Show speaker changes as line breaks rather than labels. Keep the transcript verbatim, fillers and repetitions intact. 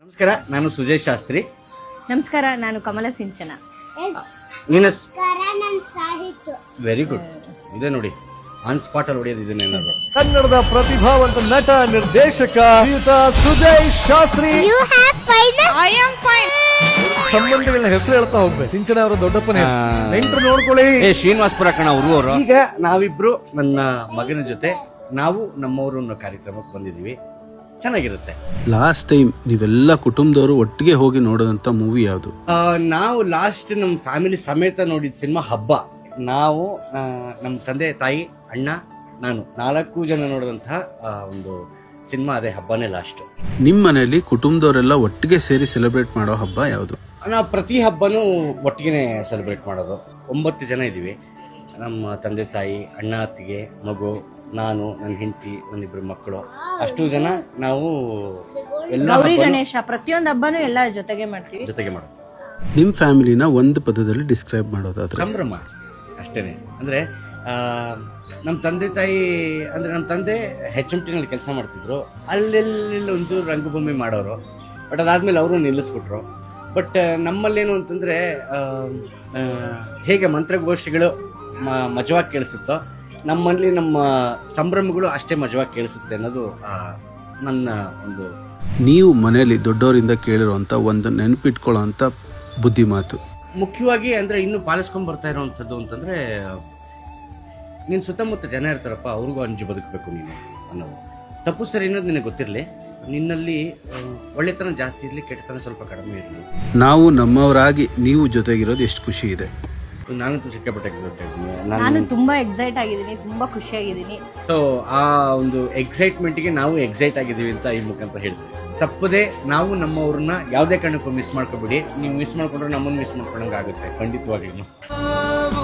ನಮಸ್ಕಾರ, ನಾನು ಸುಜಯ್ ಶಾಸ್ತ್ರಿ.
ನಮಸ್ಕಾರ, ನಾನು ಕಮಲ ಸಿಂಚನ.
ನೀನು
ಸಾಹಿತ್ಯ
ವೆರಿ ಗುಡ್. ಇದೆ ನೋಡಿ, ಆನ್ ಸ್ಪಾಟ್ ಅಲ್ಲಿ ಹೊಡೆಯೋದು ಇದನ್ನೇನಾದ್ರು.
ಕನ್ನಡದ ಪ್ರತಿಭಾವಂತ ನಟ ನಿರ್ದೇಶಕ ಶ್ರೀಯುತ Sujay Shastri.
You have fine I am fine.
ಸಂಬಂಧಗಳನ್ನ ಹೆಸರು ಹೇಳ್ತಾ ಹೋಗ್ಬೇಕು. ಸಿಂಚನ ಅವರ ದೊಡ್ಡಪ್ಪನ ನೆಂಟರು ನೋಡ್ಕೊಳ್ಳಿ.
ಏ ಶ್ರೀನಿವಾಸಪುರ ಕಣ ಅವರು. ಈಗ ನಾವಿಬ್ರು ನನ್ನ ಮಗನ ಜೊತೆ ನಾವು ನಮ್ಮವರು ಅನ್ನೋ ಕಾರ್ಯಕ್ರಮಕ್ಕೆ ಬಂದಿದೀವಿ. ಚೆನ್ನಾಗಿರುತ್ತೆ.
ಲಾಸ್ಟ್ ಟೈಮ್ ನೀವೆಲ್ಲ ಕುಟುಂಬದವರು ಒಟ್ಟಿಗೆ ಹೋಗಿ ನೋಡೋದಂತ ಮೂವಿ ಯಾವುದು?
ಆ, ನಾವು ಲಾಸ್ಟ್ ನಮ್ಮ ಫ್ಯಾಮಿಲಿ ಸಮೇತ ನೋಡಿದ ಸಿನಿಮಾ ಹಬ್ಬ. ನಾವು ಆ, ನಮ್ಮ ತಂದೆ ತಾಯಿ ಅಣ್ಣ ನಾನು ನಾಲ್ಕು ಜನ ನೋಡಿದಂತಹ ಆ, ಒಂದು ಸಿನಿಮಾ ಅದೇ ಹಬ್ಬನೇ ಲಾಸ್ಟ್.
ನಿಮ್ಮ ಮನೆಯಲ್ಲಿ ಕುಟುಂಬದವರೆಲ್ಲ ಒಟ್ಟಿಗೆ ಸೇರಿ ಸೆಲೆಬ್ರೇಟ್ ಮಾಡೋ ಹಬ್ಬ ಯಾವುದು?
ನಾವು ಪ್ರತಿ ಹಬ್ಬನೂ ಒಟ್ಟಿಗೆ ಸೆಲೆಬ್ರೇಟ್ ಮಾಡೋದು. ಒಂಬತ್ತು ಜನ ಇದ್ದೀವಿ. ನಮ್ಮ ತಂದೆ ತಾಯಿ, ಅಣ್ಣ ಅತ್ತಿಗೆ, ಮಗು, ನಾನು, ನನ್ನ ಹೆಂಡತಿ, ನನ್ನಿಬ್ರು ಮಕ್ಕಳು, ಅಷ್ಟು ಜನ ನಾವು ಎಲ್ಲ
ಗೌರಿ
ಹಬ್ಬನೂ
ಗಣೇಶ ಪ್ರತಿಯೊಂದು ಹಬ್ಬನೂ ಎಲ್ಲ ಜೊತೆಗೆ ಮಾಡ್ತೀವಿ.
ಜೊತೆಗೆ ಮಾಡೋದು.
ನಿಮ್ಮ ಫ್ಯಾಮಿಲಿನ ಒಂದು ಪದದಲ್ಲಿ ಡಿಸ್ಕ್ರೈಬ್ ಮಾಡೋದಾದ್ರೆ?
ಸಂಭ್ರಮ ಅಷ್ಟೇನೆ. ಅಂದರೆ ನಮ್ಮ ತಂದೆ ತಾಯಿ ಅಂದರೆ ನಮ್ಮ ತಂದೆ ಹೆಚ್ ಎಮ್ ಟಿನಲ್ಲಿ ಕೆಲಸ ಮಾಡ್ತಿದ್ರು. ಅಲ್ಲೆಲ್ಲ ಒಂದು ರಂಗಭೂಮಿ ಮಾಡೋರು. ಬಟ್ ಅದಾದಮೇಲೆ ಅವರು ನಿಲ್ಲಿಸ್ಬಿಟ್ರು. ಬಟ್ ನಮ್ಮಲ್ಲೇನು ಅಂತಂದರೆ ಹೇಗೆ ಮಂತ್ರಗೋಷ್ಠಿಗಳು ಮ ಮಜವಾಗಿ ಕೇಳಿಸುತ್ತೋ ನಮ್ಮಲ್ಲಿ ನಮ್ಮ ಸಂಭ್ರಮಗಳು ಅಷ್ಟೇ ಮಜವಾಗಿ ಕೇಳಿಸುತ್ತೆ ಅನ್ನೋದು ಆ, ನನ್ನ ಒಂದು.
ನೀವು ಮನೆಯಲ್ಲಿ ದೊಡ್ಡವರಿಂದ ಕೇಳಿರುವಂತ ಒಂದು ನೆನಪಿಟ್ಕೊಳ್ಳೋ ಅಂತ ಬುದ್ಧಿ ಮಾತು?
ಮುಖ್ಯವಾಗಿ ಅಂದರೆ ಇನ್ನೂ ಪಾಲಿಸ್ಕೊಂಡು ಬರ್ತಾ ಇರೋವಂಥದ್ದು ಅಂತಂದರೆ, ನಿನ್ನ ಸುತ್ತಮುತ್ತ ಜನ ಇರ್ತಾರಪ್ಪ, ಅವ್ರಿಗೂ ಅಂಜು ಬದುಕಬೇಕು ನೀನು ಅನ್ನೋದು. ತಪ್ಪು ಸರಿ ಅನ್ನೋದು ನಿನಗೆ ಗೊತ್ತಿರಲಿ. ನಿನ್ನಲ್ಲಿ ಆ, ಒಳ್ಳೆತನ ಜಾಸ್ತಿ ಇರಲಿ, ಕೆಟ್ಟತನ ಸ್ವಲ್ಪ ಕಡಿಮೆ ಇರಲಿ.
ನಾವು ನಮ್ಮವರಾಗಿ ನೀವು ಜೊತೆಗಿರೋದು ಎಷ್ಟು ಖುಷಿ ಇದೆ.
ನಾನಂತೂ ಸಿಕ್ಕಾಪಟ್ಟೆ ಗೊತ್ತಾಗ್ತೀನಿ.
ನಾನು
ನಾನು
ತುಂಬಾ ಎಕ್ಸೈಟ್ ಆಗಿದ್ದೀನಿ, ತುಂಬಾ ಖುಷಿಯಾಗಿದ್ದೀನಿ.
ಸೊ ಆ ಒಂದು ಎಕ್ಸೈಟ್ಮೆಂಟ್ಗೆ ನಾವು ಎಕ್ಸೈಟ್ ಆಗಿದ್ದೀವಿ ಅಂತ ಈ ಮುಖಾಂತರ ಹೇಳ್ತೀವಿ. ತಪ್ಪದೆ ನಾವು ನಮ್ಮವ್ರನ್ನ ಯಾವುದೇ ಕಾರಣಕ್ಕೂ ಮಿಸ್ ಮಾಡ್ಕೊಬೇಡಿ. ನೀವು ಮಿಸ್ ಮಾಡ್ಕೊಂಡ್ರೆ ನಮ್ಮನ್ನು ಮಿಸ್ ಮಾಡ್ಕೊಂಡಂಗೆ ಆಗುತ್ತೆ ಖಂಡಿತವಾಗ್ಲೂ.